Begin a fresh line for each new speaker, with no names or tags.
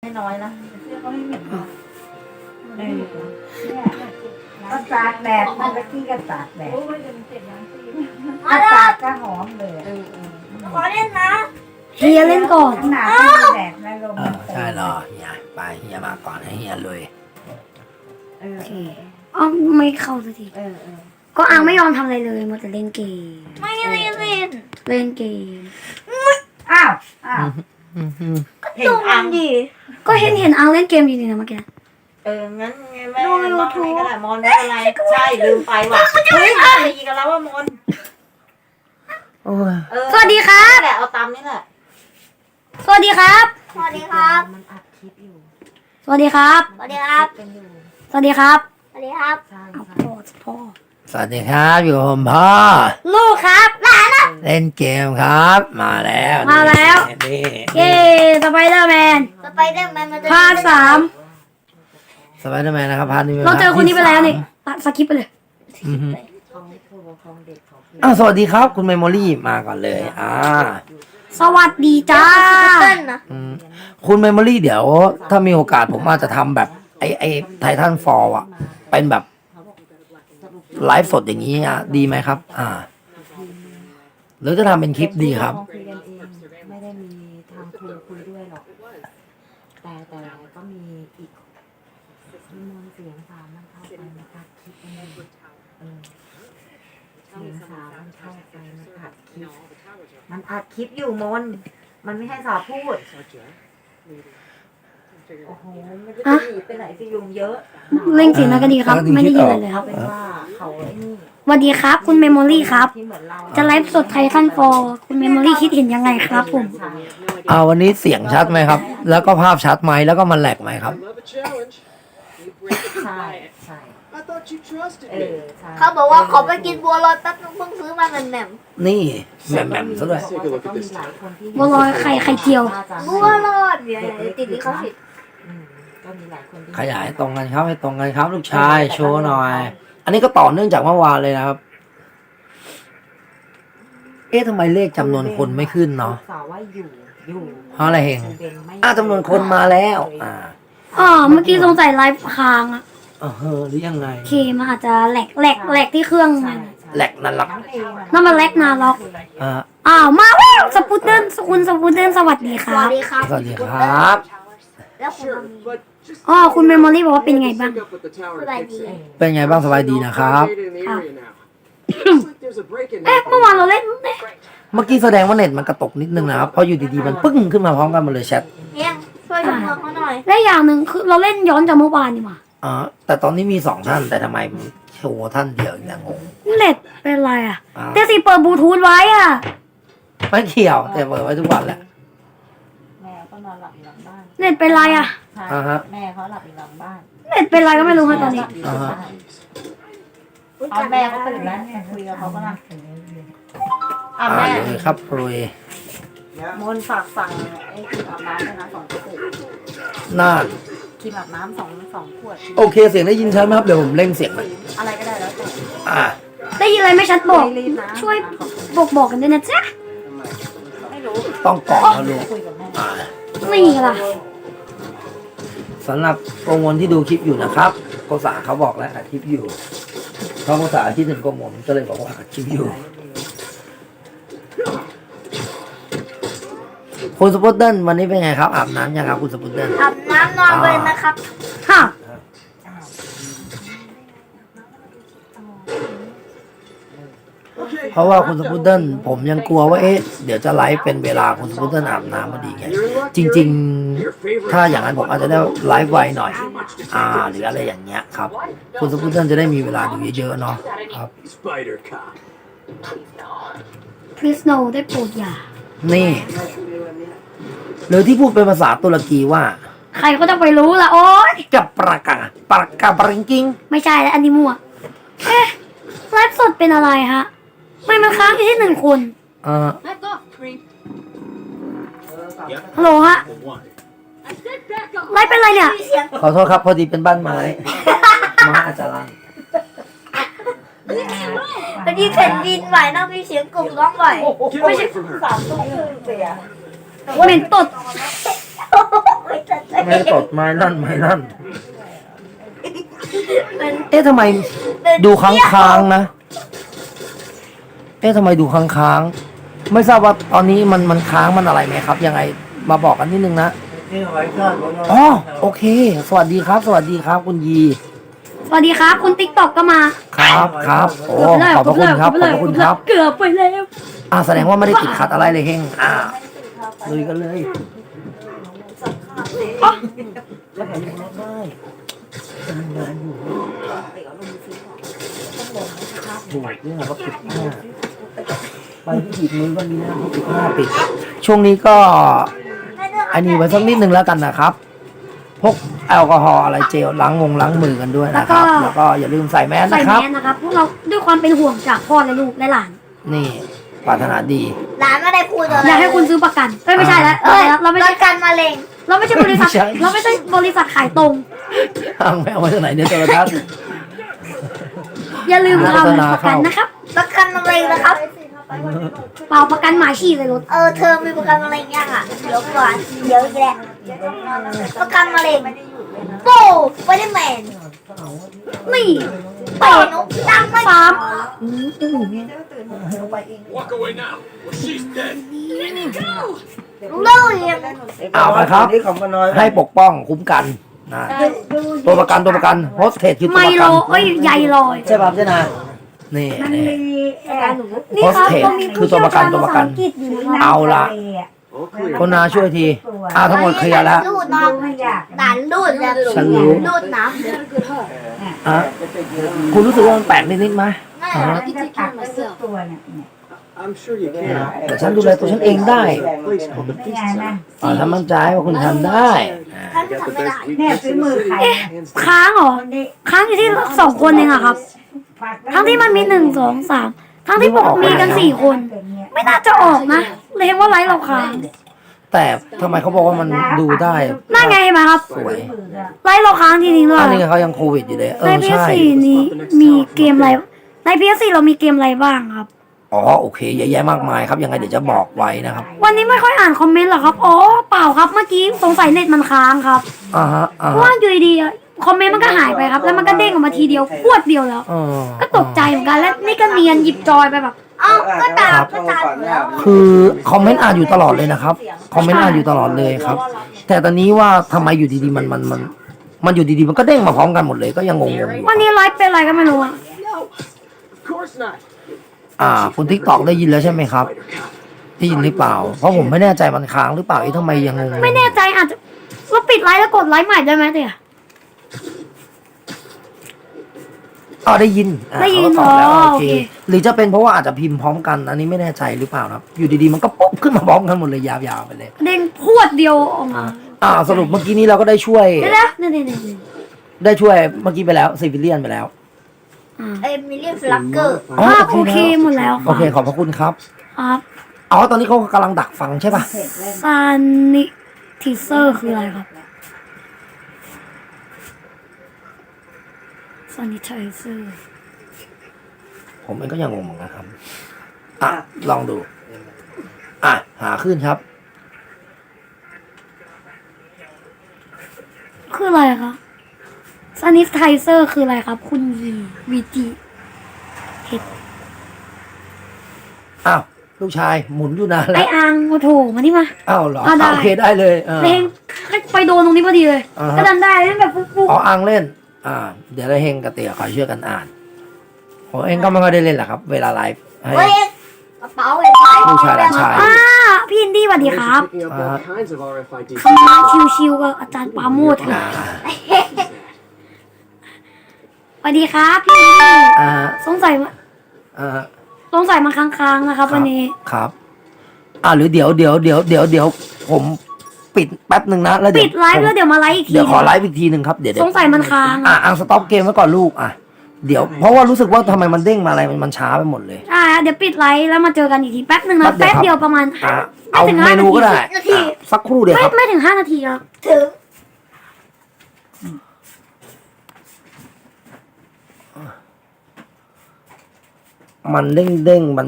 น้อยนะเสื้อก็ไม่เหม็นนะก็ตากแดดมันก็ขี้ก็ตากแดดถ้าตากก็หอมเลย
ขอเล่นนะ
เฮียเล่นก่อน
ขนาดไม่แดดไม่ลม
ใช่รอเฮียไปเฮียมาก่อนให้เฮียลุย
โอเค
อ๋อไม่เข้าสักทีก็อังไม่ยอมทำอะไรเลยมัวแต่เล่นเกม
ไม่เล่น
เล่นเกม
อ้าวเห็นอัง
ดิ
ก็เห็นอังเล่นเกมอยู่นี่นะเมื่อกี้
งั้นแม่มองให้ก็ได้มอนไม่เป็นไรใช่ลืมไปว่ะเฮ้ยตีกันแล้วว่ามอน
สวัสดีครับ
แหละเอาตามนี่แหละ
สวัสดีครับ
สวัสดีครับ
มันอัดคลิปอยู่
สวัสดีครับ
สวัสดีครับ
เป็นอยู่
สวัสดีครับ
สวัสดีครับ
ใช่
เอา
ใช่
พ่อ
สวัสดีครับอยู่กับผมพ่อ
ลูกครับหลานนะ
เล่นเกมครับ มาแล้ว
มาแล้ว
นี่
เย้สไปเดอร์แมน
สไปเดอร์แมนมันจะ
พาร์ทสาม
สไปเดอร์แมนนะครับพาร์ทนี้ป็
เราเจอคนนี้ไปแล้วนี่
พาร์ท
สกิปไปเลย
อือฮึ
ของของเด็กของ
สวัสดีครับ คุณเมมโมรี่มาก่อนเลย
สวัสดีจ้า
เต้นนะ
คุณเมมโมรี่เดี๋ยว ถ้ามีโอกาสผมอาจจะทำแบบไอไททันฟอลอ่ะ เป็นแบบไลฟ์สดอย่างนี้ดีไหมครับ หรือจะทำเป็นคลิปดีครับ
คุยกันเองไม่ได้มีทางครูคุยด้วยหรอกแต่ก็มีอีกมีมนเสียงสามมันเข้าไปมันอัดคลิปมันอยู่เสียงสามมันเข้าไปมันอัดคลิปมันอัดคลิปอยู่มนมันไม่ให้สาวพูดโอ้โหมันจะหนีไปไหนสิยุงเยอะ
เล่นเสียงนักก็ดีครับ ไม่ได้ยินอะไรเลยครับ
เป็นว่าเขาไอ้นี่
สวัสดีครับ คุณเมมโมรี่ครับ
ที่เหมือนเรา
จะไลฟ์สดไททันฟอร์คุณเมมโมรี่คิดเห็นยังไงครับผม
วันนี้เสียงชัดไหมครับ แล้วก็ภาพชัดไหมแล้วก็มันแหลกไหมครับ
ใช่ใช่
I thought you trusted
เอ
me.
อใช่
เขาบอกว่าขอไปกินบัวลอยแป๊บนึงเพิ่งซื้อมาแหม่ม
นี่แหม่มๆซะด้วย
บัวลอยไข่เจียว
ๆบัวลอยเดี๋ยวติดลิขสิทธิ์
ก็มีหลายคนที่
ขยายตรงกันครับให้ตรงกันครับ ลูกชายโชว์หน่อย อันนี้ก็ต่อเนื่องจากเมื่อวานเลยนะครับ ทำไมเลขจำนวนคนไม่ขึ้นเนาะ
สาวว่าอยู่
เพราะอะไรเฮงจำนวนคนมาแล้ว
เมื่อกี้สงสัยไลฟ์ค้างอะ
หรือยังไง
โอเคมันอาจจะแหลกที่เครื่องมัน
แหลกนั่นหลัก
นั่นมันแหลกนาล็อก มาแล้วสปูตเดิลคุณสปูตเดิลสวัสดีค
ส
รั
วั
บ
สดีครับ
สวัสดีครับ
แล้วคุณ
Sure, but just
คุณเมมโมรี่บอกว่าเป็นไงบ้าง
sync up with the tower and fix it.
เป็นไงบ้างสบายดีนะครับ
Located in the area now. Looks like there's a break-in
เมื่อวานเราเล่น
เมื่อกี้แสดงว่าเน็ตมันกระตกนิดนึงนะครับ เพราะอยู่ดีๆมันปึ้งขึ้นมาพร้อมกันหมดเลยแชท
เฮียช่วยดูเมืองเขาหน่อย
และอย่างหนึ่งคือเราเล่นย้อนจากเมื่อวานนี่หว่า
แต่ตอนนี้มี2ท่าน แต่ทำไมโชว์ท่านเดียวอย่างงง
เน็ตเป็นไรอ่ะ
อ่า
แต่สิเปิดบลูทูธไว้อ่ะ
ไม่เกี่ยวแต่เปิดไว้ทุกวันแหละ
แม่ก็นอนหลับอยู่หลังบ้าน
เน็ตเป็นไรอ่ะ
ใช่
ฮะ
แม่เขาหลับอยู่หลังบ้าน
เน็ตเป็นไรก็ไม่รู้ค่ะตอนนี้
เอาแม่เขาตื่นแล้วเนี่ยคุยกับเขาก็นะแม่
เลยครับปรุย
มนฝากสั่งไอ้ครีมอาบน้ำด้วยนะ2 กระปุก
น่า
ครีมอาบน้ำสองขวด
โอเคเสียงได้ยินชัดไหมครับเดี๋ยวผมเร่งเสียงหน่อย
อะไรก็ได้แล้วแต่
ได้ยินอะไรไม่ชัดบอก
ไม่รีบนะ
ช่วยบอกกันด้วยนะจ๊ะ
ไม่รู้
ต้องกรอกนะลูก
คุยกับแม่
นี่ล่ะ
สำหรับโปรโมทที่ดูคลิปอยู่นะครับโกษาเขาบอกแล้วอัดคลิปอยู่เพราะโกษาที่หนึ่งโปรโมทก็เลยบอกว่าอัดคลิปอยู่คุณสปุตเดิลวันนี้เป็นไงครับอาบน้ำยังครับคุณสปุตเดิล
อาบน้ำนอนเลยนะครับ
ค่ะ
เพราะว่าคุณสปุตเดิลผมยังกลัวว่าเดี๋ยวจะไลฟ์เป็นเวลาคุณสปุตเดิลอาบน้ำพอดีไงจริง ๆ ถ้าอย่างนั้นผมอาจจะได้ไลฟ์ไวหน่อยหรืออะไรอย่างเงี้ยครับคุณสปุตเดิลจะได้มีเวลาดูเยอะๆเนาะครับ
Spider Cop.
พริสโนได้โปรดอย่า
นี่หรือที่พูดเป็นภาษาตุรกีว่า
ใครก็จะไปรู้ล่ะโอ๊ย
กับปรากาปริงกิง
ไม่ใช่แล้วอันนี้มั่วไลฟ์สดเป็นอะไรฮะไม่มันค้างอยู่ที่1 คน ฮัลโหลฮะ ไลฟ์เป็นอะไรเนี่ย
ขอโทษครับพอดีเป็นบ้านไม้ ไม้อาจจะลั่น
พอดีแผ่นดินไหวนะมีเสียงกลุ่มร้องไหว
Get away from her.
3 ทุ่มครึ่งเสีย
เหม็นตด
ไม่ทันเลย
ไม่ตดไม่นั่นไม่นั่น
มัน
เอ๊ะทำไมดูค้างๆนะ เอ๊ะทำไมดูค้างๆไม่ทราบว่าตอนนี้มันค้างมันอะไรไหมครับ ยังไงมาบอกกันนิดนึงนะอ๋อโอเค สวัสดีครับ สวัสดีครับคุณยี
สวัสดีครับ คุณติ๊กต็อกก็มา
ครับครับโอ้ขอบพระคุณครับขอบพระคุณครับ
เกือบไปแล้ว
แสดงว่าไม่ได้ติดขัดอะไรเลยเฮงลุยกันเลยแล้วผมยังรับได้ทำงานอยู่ถูกเนี่ยเขาปิดหน้าไปที่หยิบมือก็มีหน้าเขาปิดหน้าปิด ช่วงนี้ก็อันนี้ไว้สักนิดนึงแล้วกันนะครับ พกแอลกอฮอล์อะไรเจลล้างมือกันด้วยนะครับ แล้วก็อย่าลืมใส่แมส
ใส่
นะค
แม
รับ
สนะครับพวกเราด้วยความเป็นห่วงจากพ่อและลูกและหลาน
นี่ปรารถนาดี
หลานไม่ได้พูดอะไร
อยากให้คุณซื้อประกันไม่ใช่แล้วเราไม่
ป
ใช่
ระกันมะเร็ง
เราไม่ใช่บริษัท
ไม่ใช่
เราไม่ใช่บริษัทขายตรง
ทางแมวมาจากไหนเนี่ยโทรทัศน์
อย่าลืม
โฆษ
ทำ
ณา
ประกัน
เข้า
นะครับ
ประกันมะเร็งนะครับ
เปล่าประกันหมาฉี่เลยรถ
เธอมีประกันมะเร็งยังอ่ะเดี๋ยวก่อนเดี๋ยวอีกแหละประกันมะเร็งโป้ไวเดอร์แมน
นี่
เตะนุ๊กดังไม่
สาม
Walk away now. She's dead.
เล่าเรียง
เอาไปครับ ให้ปกป้องคุ้มกันนะตัวประกันโฮสเทสคือตัว
ไม
ประ
โล
กัน
เอ้ยใยลอย
ใช่ป่ะเจ้านานี่นี่
นี่ครับ
Hostage
เรามี
คือตัวประกันตัวประกัน
ภาษาอังกฤษอยู่นะครับ
เอาละ
All clear.
คนนาช่วยทีทั้งหมดเคลียร์แล้ว
รูดน้องด่านรูดแบบ
ฉันรู้
รูดน้
อ่ะคุณรู้สึกว่ามันแปลกนิดๆไหม
ำนั่น
อ่า
แห
ฮะ
ละ
I'm sure you can.
แต่ฉันดูแลตัวฉันเองได้
A place called the Peace Tower.
ถ้ามั่นใจว่าคุณทำได้อ่า
ท่าน
Got
ทำ
the
ไม่ได้
best weakness in the city. Hands down.
ค้างเหรอค้างอยู่ที่สองคนเองอะครับ ทั้งที่มันมี1 2 3ทั้งที่ผมมีกัน4 คน ไม่น่าจะออกนะเลยเห็นว่าไลฟ์เราค้าง
แต่ทำไมเขาบอกว่ามันดูได้
น่าไงเห็นไหมครับ
สวย
ไลฟ์เราค้างจริงๆด้วย
อันนี้เขายังโควิดอยู่เลย
ใน
ใช่
PS4 นี้มีเกมอะไรใน PS4 เรามีเกมอะไรบ้างครับ
อ๋อโอเคเยอะแยะมากมายครับยังไงเดี๋ยวจะบอกไว้นะครับ
วันนี้ไม่ค่อยอ่านคอมเมนต์หรอครับอ๋อเปล่าครับเมื่อกี้สงสัยเน็ตมันค้างครับ
อ่าฮะอ่า
เพราะ
ฮะ
ว่าอยู่ดีๆอะคอมเมนต์มันก็หายไปครับ แล้วมันก็เด้งออกมาทีเดียวพรวดเดียวแล้ว
เออ
ก็ตกใจเหมือนกันแล้วนี่ก็เนียนหยิบจอยไปแบบ
เอ้าก็ตามก็ตามอยู่แล้ว
คือคอมเมนต์อ่านอยู่ตลอดเลยนะครับคอมเมนต์อ่านอยู่ตลอดเลยครับ แต่ตอนนี้ว่าทำไมอยู่ดีๆมันอยู่ดีๆมันก็เด้งมาพร้อมกันหมดเลยก็ยังงงๆอยู่
วันนี้ไลฟ์เป็นอะไรก็ไม่รู้อะ
Of course not.
คุณทิกตอกได้ยินแล้วใช่ไหมครับได้ยินหรือเปล่า เพราะผมไม่แน่ใจมันค้างหรือเปล่าทำไมยังงงๆ
ไม่แน่ใจอาจจะเราปิดไลฟ์แล้วกดไลฟ์ใหม่ได้ไหมเตี่ย
ได้ยิน
ได้ยิน
เขาก็ตอบแล้ว
อ๋อ
โอเค
โอเค
หรือจะเป็นเพราะว่าอาจจะพิมพ์พร้อมกันอันนี้ไม่แน่ใจหรือเปล่าครับ อยู่ดีๆมันก็ป๊อปขึ้นมาพร้อมกันหมดเลยยาวๆไปเลย
เด้งพรวดเดียวออกมา
สรุปเมื่อกี้นี้เราก็ได้ช่วย
เดี๋ยวนะนี่
ได้ช่วยเมื่อกี้ไปแล้วซิวิเลียนไปแล้ว
เอ็มิเลียนฟลักเกอร์
อ๋อ
ภาพโอเคหมดแล้วค
โอ
รับ
เคขอบพระคุณครับ
ครับ
ตอนนี้เขากำลังดักฟังใช่ป่ะ
ซานิทิเซอร์คืออะไรครับซานิทิเซอร์
ผมเองก็ยังงงเหมือนกันครับลองดู หาขึ้นครับ
คืออะไรคะซานิทิเซอร์คืออะไรครับ คุณวีจีเห็ด
ลูกชายหมุนอยู่นาน
ไอ
แล้ว
อังโอ้โถมานี่มา
เหรอ
ได้
โอเคได้เลย
เพลงไปโดนตรงนี้พอดีเลย ก็ดันได้เล่นแบบฟุก
อ่างเล่น เดี๋ยวเราเฮงกับเตี๋ยคอยช่วยกันอ่านผมเองก็ไม่ค่อยได้เล่นแหละครับ เวลาไลฟ์ให้
เฮ้ยกระเป๋าเห็นไหม
ลูกชายหลานชาย
พี่อินดี้สวัสดีครับ
Picking up all kinds of RFID.
เข้ามาชิวๆกับอาจารย์ปราโมทค่ะสวัสดีครับพี่อินดี้ สงสัยมาค้างๆนะครับวันนี้
ครับหรือเดี๋ยวผมปิดแป๊บหนึ่งนะแล้ว
ปิดไลฟ์แล้วเดี๋ยวมาไลฟ์อีกที
เดี๋ยวขอไลฟ์อีกทีหนึ่งครับเดี๋ยว
สงสัยมันค้าง
สต็อปเกมไว้ก่อนลูกเดี๋ยวเพราะว่ารู้สึกว่าทำไมมันเด้งมาอะไรมันช้าไปหมดเลย
เดี๋ยวปิดไลฟ์แล้วมาเจอกันอีกทีแป๊บหนึ่งนะ
แป๊
แป๊
บบ เดี
เดี
ย
ยว วประมาณ
เอาเมนูก็ได้
นาที
สักครู่เดียวครับ
ไม่ถึง5 นาทีครับ
ถึง
มันเด้งมัน